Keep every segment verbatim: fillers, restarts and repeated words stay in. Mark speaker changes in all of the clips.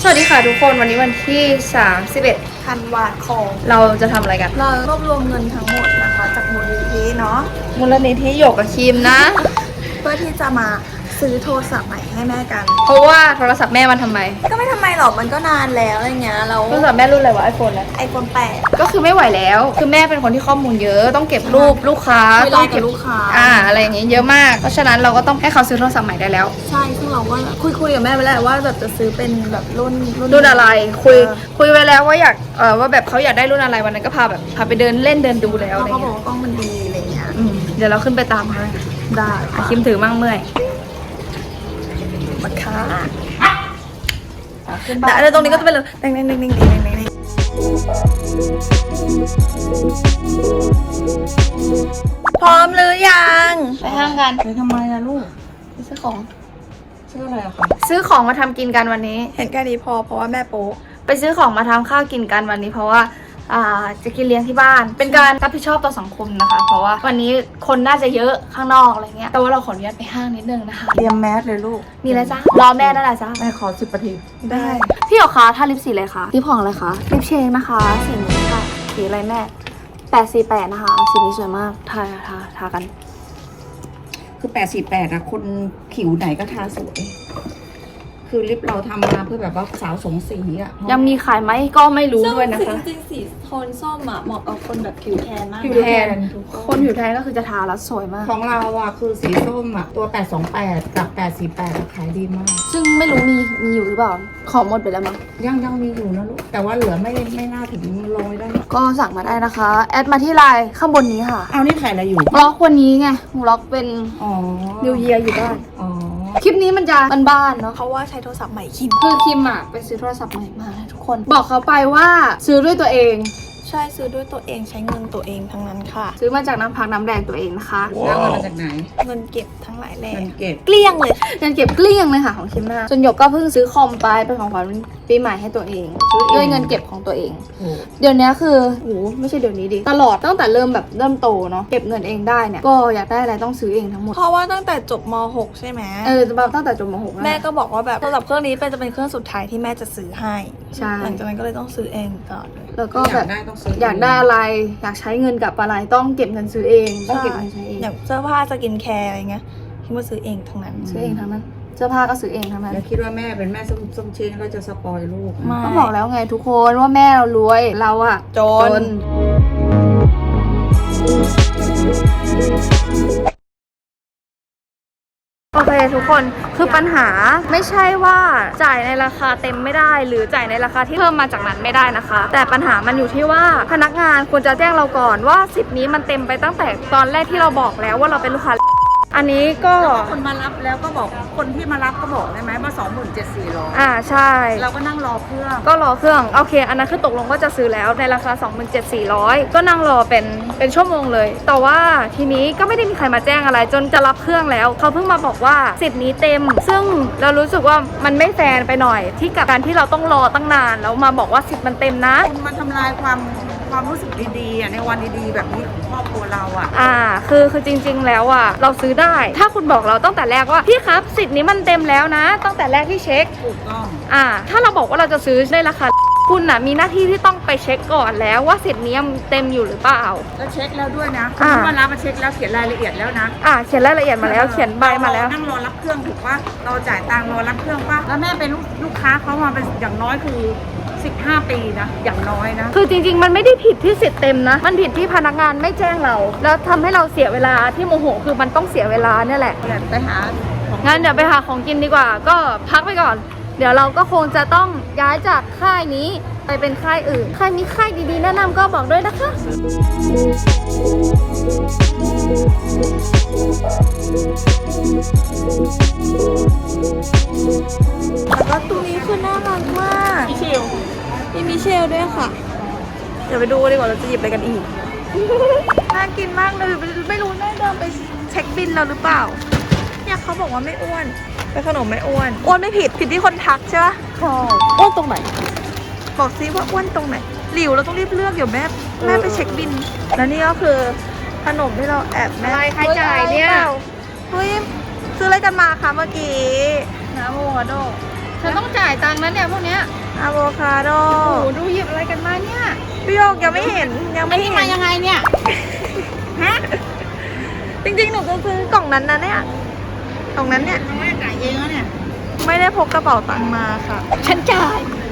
Speaker 1: วัสดีค่ะทุกคนวันนี้วันที่สามสิบเอ็ด
Speaker 2: ธันวาคม
Speaker 1: เราจะทำอะไรกัน
Speaker 2: เรารวบรวมเงินทั้งหมดนะคะจากมูลนิธิเนาะ
Speaker 1: มูลนิธิหยกกับคิมนะ
Speaker 2: เพื่อที่จะมาซื้อโทรศัพท์ใหม่ให้แม่กัน
Speaker 1: เพราะว่าโทรศัพท์แม่มันทำไม
Speaker 2: ก็ไม่ทำไมหรอกมันก็นานแล้วอะไรเงี้ยเรา
Speaker 1: โทรศัพท์แม่รุ่นอะไรวะไอโฟนอะไร
Speaker 2: ไอโฟนแปด
Speaker 1: ก็คือไม่ไหวแล้วคือแม่เป็นคนที่ข้อมูลเยอะต้องเก็บรูปลูกค้า
Speaker 2: ต้องเก็บลูกค้า
Speaker 1: อ่าอะไรอย่างเงี้ยเยอะมากเพราะฉะนั้นเราก็ต้องให้เขาซื้อโทรศัพท์ใหม่ได้แล้ว
Speaker 2: ใช่ซึ่งเราก็คุยคุยกับแม่ไปแล้วว่าแบบจะซื้อเป็นแบบรุ่น
Speaker 1: รุ่นอะไรคุยคุยไว้แล้วว่าอยากเออว่าแบบเขาอยากได้รุ่นอะไรวันนั้นก็พาแบบพาไปเดินเล่นเดินดูแล้วอะไร
Speaker 2: เงี้ยเขาบ
Speaker 1: อก
Speaker 2: ว่ากล้องมันดีอะไรเงี้ย
Speaker 1: เดี๋ยวเราขึ้นไปตามเขา
Speaker 2: ได้
Speaker 1: คิมถือมั่งเมื่อย
Speaker 2: มาค่ะแต่ตรงนี้ก็จะเป็นเลยเด้งเด้งเด้งเด้งเด้งเด้งเด้งพร้อมหรือยัง
Speaker 1: ไปห้างกัน
Speaker 2: ไปทำไมอะลูก
Speaker 1: ไปซื้อของ
Speaker 2: ซื้ออะไรอะคะ
Speaker 1: ซื้อของมาทำกินกันวันนี้
Speaker 2: เห็นแค่นี้พอเพราะว่าแม่โป๊
Speaker 1: ไปซื้อของมาทำข้าวกินกันวันนี้เพราะว่าอ่าจะกินเลี้ยงที่บ้านเป็นการรับผิดชอบต่อสังคมนะคะเพราะว่าวันนี้คนน่าจะเยอะข้างนอกอะไรเงี้ยแต่ว่าเราขออนุญาตไปห้างนิดนึงนะคะ
Speaker 2: เตรียมแมสเลยลูก
Speaker 1: มีอะไรจ้ารอแม่นั่นแหละจ้า
Speaker 2: แม่ขอสิบนาที
Speaker 1: ได้พี่หรอคะถ้าลิปสีอะไรคะลิปของอะไรคะลิปเชงนะคะสีนี้ค่ะสีอะไรแม่แปดสี่แปดนะคะสีนี้สวยมากทาทาทากัน
Speaker 3: คือแปดสี่แปดอะคนผิวไหนก็ทาสวยคือลิปเราทำมาเพื่อแบบว่าสาวสงสีอะ
Speaker 1: ยังมีขายไหมก็ไม่รู้ด้วยนะคะ
Speaker 2: จริงๆสีโทนส้มอะเหมาะกับคนแบบผิวแทนมาก
Speaker 1: ผิวแทนคนผิวแทนก็คือจะทาแล้วสวยมาก
Speaker 3: ของเราอะคือสีส้มอะตัวแปดสองแปดกับแปดสี่แปดขายดีมาก
Speaker 1: ซึ่งไม่รู้มีมีอยู่หรือเปล่าของหมดไปแล้วมั้ง
Speaker 3: ยังยังมีอยู่นะลูกแต่ว่าเหลือไม่ไม่น่าถึงร้อยได้
Speaker 1: ก็สั่งมาได้นะคะแอดมาที่ไลน์ข้างบนนี้ค่ะ
Speaker 3: เอานี่ถ่ายอะไรอยู่
Speaker 1: บล็อกวันนี้ไงบล็อกเป็น
Speaker 3: อ๋อ
Speaker 1: นิวเยียร์อยู่บ้าน
Speaker 3: อ๋อ
Speaker 1: คลิปนี้มันจะบ้านๆเนาะ
Speaker 2: เพราะว่าใช้โทรศัพท์ใหม่คิม
Speaker 1: คือคิมอะไปซื้อโทรศัพท์ใหม่มาทุกคนบอกเขาไปว่าซื้อด้วยตัวเอง
Speaker 2: ใช่ซื้อด้วยตัวเองใช้เงินตัวเองทั้งนั้นค่ะ
Speaker 1: ซื้อมาจากน้ำพักน้ำแดงตัวเองนะคะ
Speaker 3: แล้วเงินมาจากไหน
Speaker 2: เงินเก็บทั้งหลายแหล่
Speaker 3: เงินเก็บ
Speaker 2: เกลี้ยงเลย
Speaker 1: เงินเก็บเกลี้ยงเลยค่ะของคิมนะจนหยกก็เพิ่งซื้อคอมไปเป็นของขวัญปีใหม่ให้ตัวเองด้วยเงินเก็บของตัวเองเดี๋ยวนี้คือโอ้ไม่ใช่เดี๋ยวนี้ดิตลอดตั้งแต่เริ่มแบบเริ่มโตเนาะเก็บเงินเองได้เนี่ยก็อยากได้อะไรต้องซื้อเองทั้งหมด
Speaker 2: เพราะว่าตั้งแต่จบม หกใช่ไหม
Speaker 1: เออตั้งแต่จบม หก
Speaker 2: แม่ก็บอกว่าแบบโทรศัพท์เครื่องนี้เป็นจะเป็นเครื่องสุดท้ายที่แม่จะซื้อให้
Speaker 1: ใช่
Speaker 2: หลังจากนั้นก็เลยต้องซื้อเองก่อน
Speaker 1: แล้วก็แบบอยากได้อะไรอยากใช้เงินกับอะไรต้องเก็บเงินซื้อเองต้องเก็บเงินใช้เอง
Speaker 2: อย่างเสื้อผ้าสกินแคร์อะไรเงี้ยคิดว่าซื้อเองทั้งนั้น
Speaker 1: ซื้อเองทั้งนั้นเสื้อผ้าก็ซื้อเองทั้งนั้น
Speaker 3: อย่าคิดว่าแม่เป็นแม่ส้มส้มเชงแล้วจะสปอยลูก
Speaker 1: ก็บอกแล้วไงทุกคนว่าแม่เรารวยเราอะ
Speaker 2: จน
Speaker 1: โอเคทุกคนคือปัญหาไม่ใช่ว่าจ่ายในราคาเต็มไม่ได้หรือจ่ายในราคาที่เพิ่มมาจากนั้นไม่ได้นะคะแต่ปัญหามันอยู่ที่ว่าพนักงานควรจะแจ้งเราก่อนว่าสิทธิ์นี้มันเต็มไปตั้งแต่ตอนแรกที่เราบอกแล้วว่าเราเป็นลูกค้าอันนี้ก็
Speaker 3: คนมารับแล้วก็บอกคนที่มารับก็บอกได้ไหมว่าสองหมื่นเจ็ดสี่ร้อย
Speaker 1: อ่าใช่
Speaker 3: เราก็นั่งรอเครื่อง
Speaker 1: ก็รอเครื่องโอเคอันนั้นคือตกลงว่าจะซื้อแล้วในราคา สองหมื่นเจ็ดพันสี่ร้อย ก็นั่งรอเป็นเป็นชั่วโมงเลยแต่ว่าทีนี้ก็ไม่ได้มีใครมาแจ้งอะไรจนจะรับเครื่องแล้วเขาเพิ่งมาบอกว่าสิทธิ์นี้เต็มซึ่งเรารู้สึกว่ามันไม่แฟร์ไปหน่อยที่กับการที่เราต้องรอตั้งนานแล้วมาบอกว่าสิทธิ์มันเต็มนะ
Speaker 3: คุณมาทำลายความความรู้สึกดีๆในวันดีๆแบบนี้ของครอบครัวเราอ่ะ
Speaker 1: อ่าคือคือจริงๆแล้วอ่ะเราซื้อได้ถ้าคุณบอกเราตั้งแต่แรกว่าพี่ครับสิทธิ์นี้มันเต็มแล้วนะตั้งแต่แรกที่เช็ค
Speaker 3: ถูกต้อง
Speaker 1: อ่าถ้าเราบอกว่าเราจะซื้อในราคาคุณน่ะมีหน้าที่ที่ต้องไปเช็คก่อนแล้วว่าสิทธิ์นี้เต็มอยู่หรือเปล่า
Speaker 3: แล้วเช็คแล้วด้วยนะคุณมารับมาเช็คแล้วเขียนรายละเอียดแล้วนะ
Speaker 1: อ่าเขียนรายละเอียดมาแล้วเขียนใบมาแล้ว
Speaker 3: นั่งรอรับเครื่องถูกป่ะเราจ่ายตังค์รอรับเครื่องป่ะแล้วแม่เป็นลูกค้าเขามาเป็นอย่างน้อยคือสิบห้าปีนะอย่างน้อยนะ
Speaker 1: คือจริงๆมันไม่ได้ผิดที่สิทธิ์เต็มนะมันผิดที่พนักงานไม่แจ้งเราแล้วทำให้เราเสียเวลาที่โมโหคือมันต้องเสียเวลาเนี่ยแหละ
Speaker 3: ไปหา
Speaker 1: งั้นเดี๋ยวไปหาของกินดีกว่าก็พักไปก่อนเดี๋ยวเราก็คงจะต้องย้ายจากค่ายนี้ไปเป็นค่ายอื่นใครมีค่ายดีๆแนะนำก็บอกด้วยนะคะ
Speaker 2: แล้วก็ตัวนี้คือน่ารักมาก
Speaker 1: มิเชล
Speaker 2: มีมิเชลด้วยค่ะเดี๋ยวไปดูดีกว่าเราจะหยิบอะไรกันอีกน่ากินมากเลยไม่รู้แม่เดินไปเช็คบินเราหรือเปล่าเนี่ยเขาบอกว่าไม่อ้วนเป็นขนมไม่อ้วนอ้วนไม่ผิดผิดที่คนทักใช่ปะ
Speaker 1: ใช่อ้วนตรงไหน
Speaker 2: บอกซิว่าอ้วนตรงไหนหลิวเราต้องรีบเลือกเดี๋ยวแม่แม่ไปเช็คบินแล้วนี่ก็คือขนมที่เราแอบแม่
Speaker 1: อะไรใครจ่ายเนี่ย
Speaker 2: เฮ้ยซื้ออะไรกันมาคะเมื่อกี้
Speaker 1: น้ำโมคาโดฉันต้องจ่ายตังค์นะเนี่ยพวกเนี้ย
Speaker 2: อะโวคาโด
Speaker 1: โอ้โหดูหยิบอะไรกันมาเนี่ย
Speaker 2: พี่โยกยังไม่เห็นยังไม่เห็น
Speaker 1: มายังไงเนี่ย ฮะ
Speaker 2: จริงๆหนูจะซื้อกล่องนั้นนะเนี่ยกล่องนั้นเนี่ย
Speaker 1: แม่จ่ายเองแล้วเนี่ย
Speaker 2: ไม่ได้พกกระเป๋าตังค์มาค่ะ
Speaker 1: ฉันจ่าย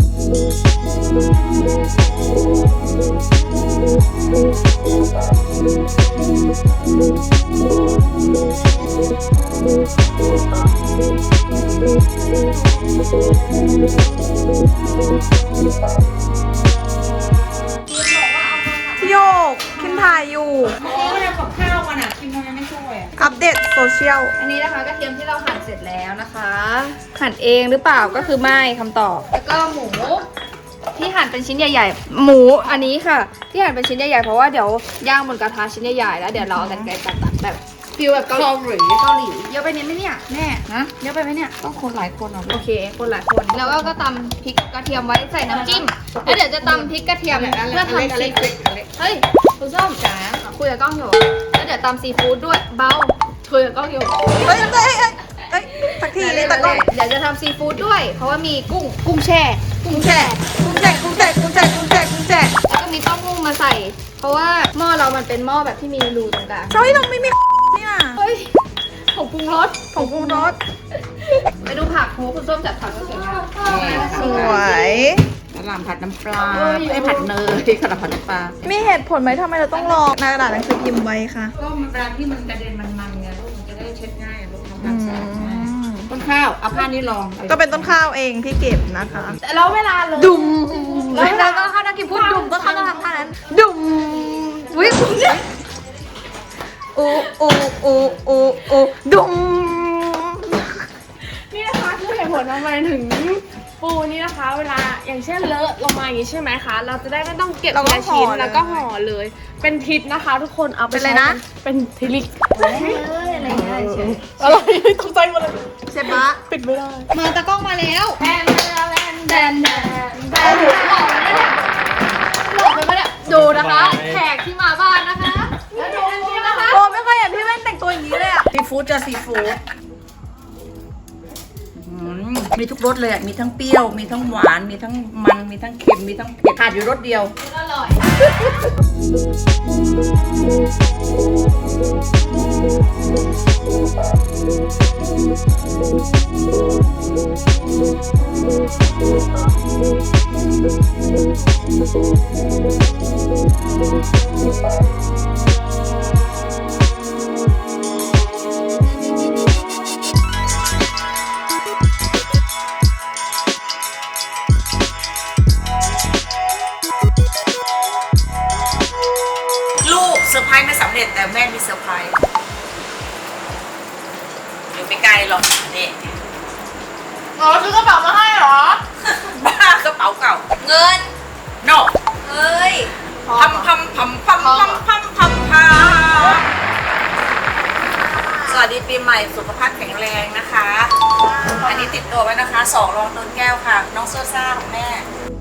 Speaker 2: พี่โยกคิมถ่ายอยู่
Speaker 3: โอ้ยกับข้าวมันอ่ะกินทำไมไม่ช่วยอ่ะ
Speaker 2: อัปเดตโซเชียล
Speaker 1: อันนี้นะคะกระเทียมที่เราหั่นเสร็จแล้วนะคะ หั่นเองหรือเปล่าก็คือไม่คำตอบ แล้วก็หมูที่หั่นเป็นชิ้นใหญ่ ๆ หมูอันนี้ค่ะ ที่หั่นเป็นชิ้นใหญ่ๆเพราะว่าเดี๋ยวย่างบนกระทะชิ้นใหญ่ๆแล้วเดี๋ยวเราเอากันไกรตัดๆแบบฟิลแบบเกาหลีเกาหลีเยอะไปนิดไหมเนี่ยแม่
Speaker 3: ฮะ
Speaker 1: เยอะไปไหมเนี่ย
Speaker 3: ต้องคนหลายคนอ่ะ
Speaker 1: โอเค คนหลายคน แล้วก็ก็ตำพริกกระเทียมไว้ใส่น้ำจิ้ม แล้วเดี๋ยวจะตำพริกกระเทียมเพื่อทำซีฟู้ดเฮ้ยคุณส้มจ๋าคุยกับกล้องอยู่ แล้วเดี๋ยวตำซีฟู้ดด้วย เบาคุยกับกล้องอยู่
Speaker 2: เฮ้ยเฮ้ยเฮ้ยเฮ้ยสักทีเลยตะกล้อง
Speaker 1: เดี๋ยวจะทำซีฟู้ดด้วย เพราะว่ามีกุ้ง กุ้งแช่ กุ้งแช่
Speaker 2: กุ้งแจกกุ้งแจกกุ้งแจกกุ้งแจกกุ้งแจก
Speaker 1: แล้วก็มีเต้าหู้มาใส่ เพราะว่าหม้อเรามันเป็นหม้อแบบที่มีรูตรงกลาง
Speaker 2: เฮ้ยเราไม่มีเนี่ย
Speaker 1: เฮ้ยผงปรุงรส
Speaker 2: ผงปรุงรส
Speaker 1: ไปดูผักโหคุณส้มจัดผักก็สวยงาม
Speaker 2: สวย
Speaker 3: กระหล่ำผัดน้ำปลาไอ้ผัดเนยกระหล่ำผัดน้ำปลา
Speaker 2: มีเหตุผลไหมทำไมเราต้องรอในกระดาษหนังสือพิมพ์ไว้คะ
Speaker 3: ก็เวลาที่มันกระเด็นมันๆไงลูกมันจะได้เช็ดง่ายลูกทำค
Speaker 2: อื
Speaker 3: วามสะอาดง่าย
Speaker 2: ม
Speaker 3: ต้นข้าวเอาผ้านี้รอง
Speaker 2: ก็เป็นต้นข้าวเองที่เก็บนะคะ
Speaker 1: แล้วเวลาเลย
Speaker 2: ดุม
Speaker 1: แล้วก็เข้านักกินพูดดุม
Speaker 2: ก็เขาต้องทำท่านั้น ดุมวิวอูอูอูอูอูดุม
Speaker 4: นี่นะคะคือเหตุผลทำไมถึงปูนี่นะคะ เวลาอย่างเช่นเลอะลงมาอย่างนี้ใช่ไหมคะ เราจะได้ไม่ต้องเก็บทีละชิ้นแล้วก็ห่อเลย เป็นทิศนะคะ ทุกคนเอาไป
Speaker 2: เป็นอะไรนะ
Speaker 4: เป็นทิลิก
Speaker 1: เอ้ยอะไรเงี้ยเฉย
Speaker 4: อะไรตกใจหมดเลย
Speaker 2: เชฟบะ
Speaker 4: ปิดไม่ได้
Speaker 1: มาตะกล้องมาแล้วแดนแดนแดนแดนแดนหลอกไปปะเนี่ยดูนะคะ แขกที่มาบ้านนะคะ แล้วดูนะคะ
Speaker 2: โอ้ไม่เคยเห็นพี่แว่นแต่งตัวอย่างนี้เลยอ่ะ
Speaker 3: ซีฟู้ดจะซีฟู้ดอืมมีทุกรสเลยอะมีทั้งเปรี้ยว มีทั้งหวาน มีทั้งมัน มีทั้งเค็ม มีทั้งเผ็ดขาดอยู่รสเดียว
Speaker 1: อร่อย
Speaker 3: ลูกเซอร์ไพรส์ไม่สำเร็จแต่แม่มีเซอร์ไพรส์อยู่ไม่ไกลหรอกนี่
Speaker 1: อ๋อซื้อกระเป๋ามาให้เหรอ
Speaker 3: บ้ากระเป๋าเก่า
Speaker 1: เงิน
Speaker 3: โน
Speaker 1: เฮ้ย
Speaker 3: พัมพัมพัมพัมพัมพัมพัมพัมสวัสดีปีใหม่สุขภาพแข็งแรงนะคะ อันนี้ติดตัวไว้นะคะสองรองต้นแก้วค่ะ น้องโซซ่าของแม่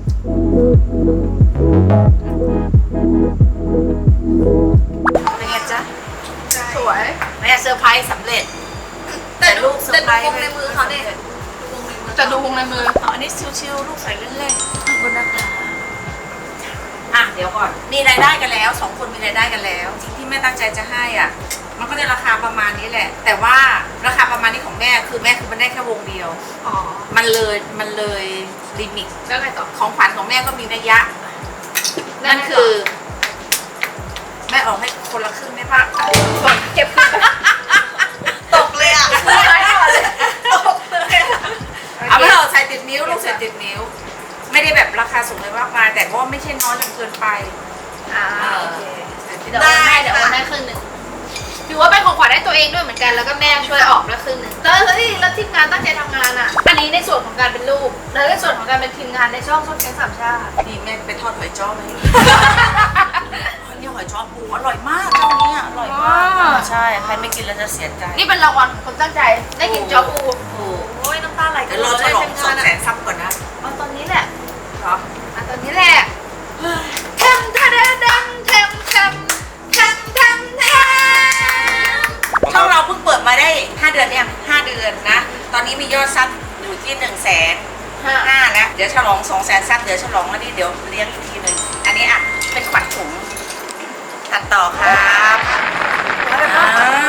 Speaker 3: เป็นไงจ๊ะ
Speaker 1: สวย
Speaker 3: แม่เซอร์ไพรส์สำเร็จ แต่ลูกเซอร์ไพรส์
Speaker 1: แต่ดูวงในมือเขาเนี่ย จะดูวงในมือ
Speaker 3: อันนี้ชิวๆลูกใส่เล่นๆขอบคุณนะคะอ่ะเดี๋ยวก่อน มีรายได้กันแล้วสองคนมีรายได้กันแล้วสิ่งที่แม่ตั้งใจจะให้อ่ะ มันก็ได้ราคาประมาณนี้แหละ แต่ว่าราคาประมาณนี้ของแม่คือแม่คือมันได้แค่วงเดียว
Speaker 1: อ๋อ
Speaker 3: มันเลยมันเลยลิมิต
Speaker 1: แล้วไงต่อ
Speaker 3: ของขวัญของแม่ก็มีนัยยะ
Speaker 1: แล้ว
Speaker 3: นั่น
Speaker 1: ไงต่อ
Speaker 3: คือ แม่ออกให้คนละครึ่งได้ปะ
Speaker 1: เก็บคืน
Speaker 2: ตกเลยอ่ะ
Speaker 1: ซื้อไว้ก่อนเลยตกเลย
Speaker 3: เอาไปเถอะใส่ติดนิ้วลูกใส่ติดนิ้ว ไม่ได้แบบราคาสูงเลยมากมายแต่ว่าไม่ใช่น้อยจนเกินไป
Speaker 1: อ่า
Speaker 3: เออ
Speaker 1: โอเคเดี๋ยวโอนให้เดี๋ยวโอนให้ครึ่งหนึ่งถือว่าเป็นของขวัญให้ตัวเองด้วยเหมือนกันแล้วก็แม่ช่วยออกด้วยครึ่งหนึ่งแล้วเฮ้ยแล้วทีมงานตั้งใจทำงานอ่ะ อันนี้ในส่วนของการเป็นลูกแล้วในส่วนของการเป็นทีมงานในช่องส้มแกงสามชาติ
Speaker 3: นี่แม่ไปทอดหอยจ้อมาให้ดูเนี่ยหอยจ้อปูอร่อยมากเจ้านี้อร่อยมากใช่ใครไม่กินแล้วจะเสียใจ
Speaker 1: นี่เป็นรางวัลของคนตั้งใจได้กินจ๊อปู
Speaker 3: ถูก
Speaker 1: โอ้ยน้ำตาไหลกั
Speaker 3: เดี๋
Speaker 1: น
Speaker 3: ยว
Speaker 1: เล
Speaker 3: เรา
Speaker 1: ย
Speaker 3: ฉลองสองแสนซับก่อนนะ
Speaker 1: เอาตอนนี้แหละ
Speaker 3: เหรอ
Speaker 1: เอาตอนนี้แหละแทมแทมแทมแทมแทมแทมแทมแทม
Speaker 3: ช่องเราเพิ่งเปิดมาได้ห้าเดือนเนี่ยห้าเดือนนะ ตอนนี้มียอดซับอยู่ที่หนึ่งแสนห้าแล้วเดี๋ยวฉลองสองแสนซับเดี๋ยวฉลองแล้วนี่เดี๋ยวเลี้ยงอีกทีหนึ่งอันนี้อ่ะเป็นขวัญถุงตัดต่อครับอ่า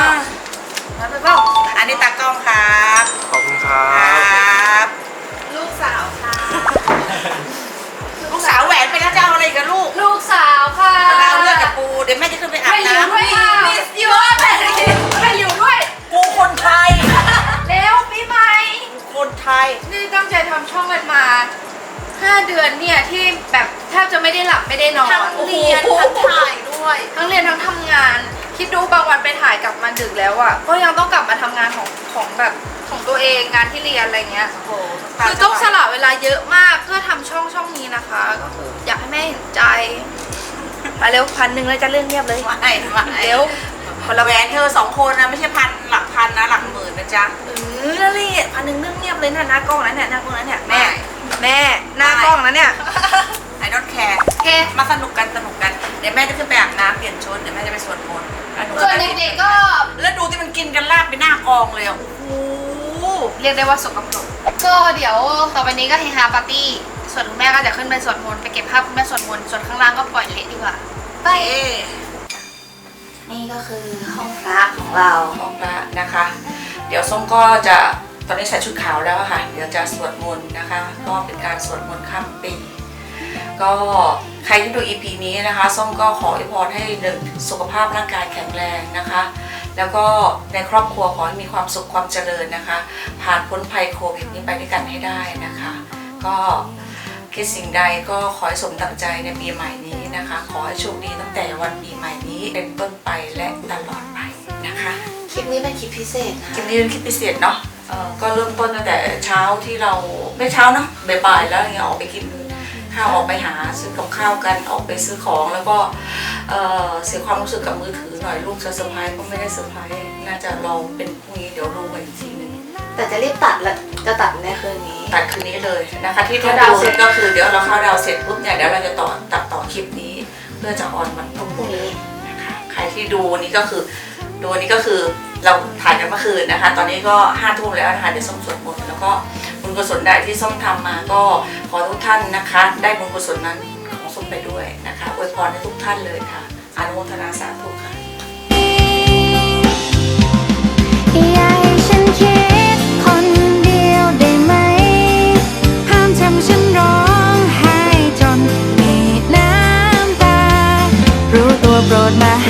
Speaker 3: อันนี้ตากล้องครับ
Speaker 5: ขอบคุณครั
Speaker 3: ครับ บ
Speaker 2: ลูกสาวค่ะ
Speaker 3: ลูกสาวแหวนไปแล้วจะเอาอะไรกับลูก
Speaker 1: ลูกสาวค่ะ
Speaker 3: เราเลือกกับปูเดี๋ยวแม่จะขึ้นไปอาบน้ำ
Speaker 1: ไม่อยู่ด้วยค่ะอยู่ไม่อยู่ด้วย
Speaker 3: ปูคนไทย
Speaker 1: เร็วปีใหม่
Speaker 3: คนไทย
Speaker 1: นี่ตั้งใจทำช่องกันมาห้าเดือนเนี่ยที่แบบแทบจะไม่ได้หลับไม่ได้นอน
Speaker 2: ทั้งเรียนทั้งถ่ายด้วย
Speaker 1: ทั้งเรียนทั้งทำงาน คิดดูบางวันไปถ่ายกลับมาดึกแล้วอ่ะก็ยังต้องกลับมาทำงานของของแบบของตัวเองงานที่เรียนอะไรเงี้ย
Speaker 3: โอ้โห
Speaker 1: คือต้องสละเวลาเยอะมากเพื่อทำช่องช่องนี้นะคะ ก็คืออยากให้แม่เห็นใจมาเร็วพันหนึ่งเลยจะเรื่องเงียบเลย
Speaker 3: ไม่ไม่
Speaker 1: เร็ว
Speaker 3: คนละแหวนเธอสองคนนะไม่ใช่พันหลักพันนะหลักหมื่นนะจ๊ะ
Speaker 1: เออนั่นแหละพันหนึ่งเรื่องเงียบเลยนะหน้ากล้องนั้นเนี่ยหน้ากล้องนั้นเนี่ยแม่
Speaker 3: ไม่
Speaker 1: แม่หน้ากล้องนั้นเนี่ย
Speaker 3: I don't care
Speaker 1: โอเค
Speaker 3: มาสนุกกันสนุกกันเดี๋ยวแม่จะขึ้นไปอาบน้ำเปลี่ยนชุดเดี๋ยวแม่จะไปสวดมนต์แล้วหนู
Speaker 1: ส่วนเด็กๆก็
Speaker 3: แล้วดูที่มันกินกันลาบไปหน้ากองเลยอ่ะโอ้โห
Speaker 1: เรียกได้ว่าสกปรกก็เดี๋ยวต่อไปนี้ก็เฮฮาปาร์ตี้ส่วนคุณแม่ก็จะขึ้นไปสวดมนต์ไปเก็บภาพคุณแม่สวดมนต์ส่วนข้างล่างก็ปล่อยเละดีกว่าไป
Speaker 3: เอ๊ะ
Speaker 1: นี่ก็คือห้องพระของเรา
Speaker 3: ห้องพระนะคะ เดี๋ยวส้มก็จะตอนนี้ใส่ชุดขาวแล้วอะค่ะ เดี๋ยวจะสวดมนต์นะคะ ก็เป็นการสวดมนต์ข้ามปี ก็ใครที่ดู อี พี นี้นะคะ ส้มก็ขออวยพรให้หนึ่งสุขภาพร่างกายแข็งแรงนะคะ แล้วก็ในครอบครัวขอให้มีความสุขความเจริญนะคะ ผ่านพ้นภัยโควิดนี้ไปด้วยกันให้ได้นะคะ ก็คิดสิ่งใดก็ขอให้สมดังใจในปีใหม่นี้นะคะ ขอให้โชคดีตั้งแต่วันปีใหม่นี้เป็นต้นไปและตลอดไปนะคะ
Speaker 1: คลิปนี้เป็นคลิปพิเศษนะ
Speaker 3: คลิปนี้เป็นคลิปพิเศษเนาะเอ่อก็เริ่มต้นตั้งแต่เช้าที่เราไม่เช้าเนาะบ่ายๆแล้วอย่างเงี้ยออกไปกินข้าวออกไปหาซื้อกับข้าวกันออกไปซื้อของแล้วก็เอ่อเสียความรู้สึกกับมือถือหน่อยลูกจะเซอร์ไพรส์ก็ไม่ได้เซอร์ไพรส์น่าจะรอเป็นพรุ่งนี้เดี๋ยวรู้กันอีกทีหนึง
Speaker 1: แต่จะรีบตัดแล้วจะตัดในคืนนี้
Speaker 3: ตัดคืนนี้เลยนะคะที่ท่าน
Speaker 1: เข้าดาว
Speaker 3: ดู
Speaker 1: เสร็จ
Speaker 3: ก็คือเดี๋ยวเราเข้าดาวเสร็จปุ๊บเนี่ยเดี๋ยวเราจะต่อตัดต่อคลิปนี้เพื่อจะออนวันพรุ่ง
Speaker 1: พรุ่ง
Speaker 3: นี้
Speaker 1: นี้
Speaker 3: นะคะใครที่ดูนี้ก็คือดูอันนี้ก็คือเราถ่ายกันเมื่อคืนนะคะ ตอนนี้ก็ห้าทุ่มแล้วนะคะเดี๋ยวส้มสวดมนต์แล้วก็บุญกุศลใดที่ส้มทำมาก็ขอทุกท่านนะคะ ได้บุญกุศลนั้นของส้มไปด้วยนะคะอวยพรให้ทุกท่านเลยค่ะอนุโมทนาสาธุค่ะ
Speaker 6: อย่าให้ฉันคิดคนเดียวได้ไหมห้ามทำฉันร้องไห้จนมีน้ำตารู้ตัวโปรดมา